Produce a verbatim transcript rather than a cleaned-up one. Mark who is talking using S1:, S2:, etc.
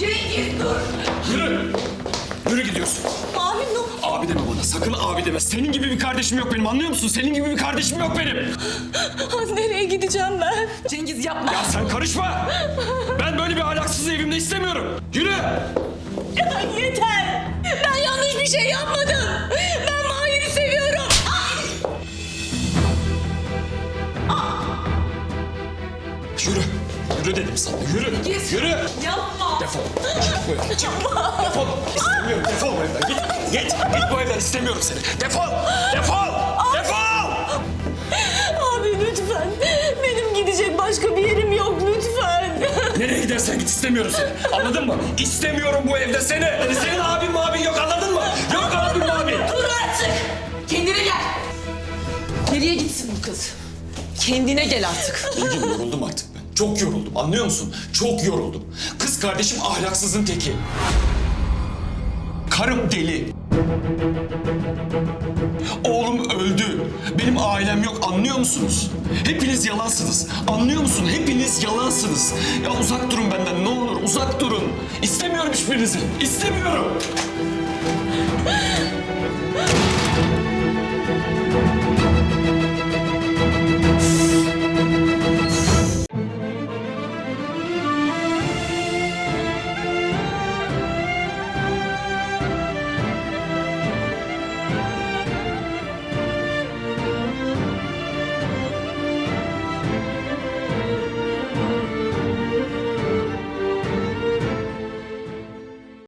S1: Cengiz dur.
S2: Yürü. Yürü gidiyorsun.
S1: Abi ne?
S2: Abi deme bana. Sakın abi deme. Senin gibi bir kardeşim yok benim. Anlıyor musun? Senin gibi bir kardeşim yok benim.
S1: Nereye gideceğim ben? Cengiz yapma.
S2: Ya sen karışma. Ben böyle bir ahlaksızı evimde istemiyorum. Yürü.
S1: Ya yeter. Ben yanlış bir şey yapmadım. Ben Mahir'i seviyorum.
S2: Yürü. Yürü dedim sana. Yürü.
S1: Cengiz.
S2: Yürü.
S1: Yapma.
S2: Defol. Çık bu evden. Çık. Defol. İstemiyorum. Defol bu evden. Git. Git. Git bu evden. İstemiyorum seni. Defol. Defol. Defol.
S1: Abi lütfen. Benim gidecek başka bir yerim yok lütfen.
S2: Nereye gidersen git, istemiyorum seni. Anladın mı? İstemiyorum bu evde seni. Senin abin mabin yok, anladın mı? Yok abin mabin.
S1: Dur artık. Kendine gel. Nereye gitsin bu kız? Kendine gel artık.
S2: Bilgin, yoruldum artık ben. Çok yoruldum, anlıyor musun? Çok yoruldum. Kız kardeşim ahlaksızın teki. Karım deli. Oğlum öldü. Benim ailem yok, anlıyor musunuz? Hepiniz yalansınız. Anlıyor musun? Hepiniz yalansınız. Ya uzak durun benden, ne olur uzak durun. İstemiyorum hiçbirinizi. İstemiyorum.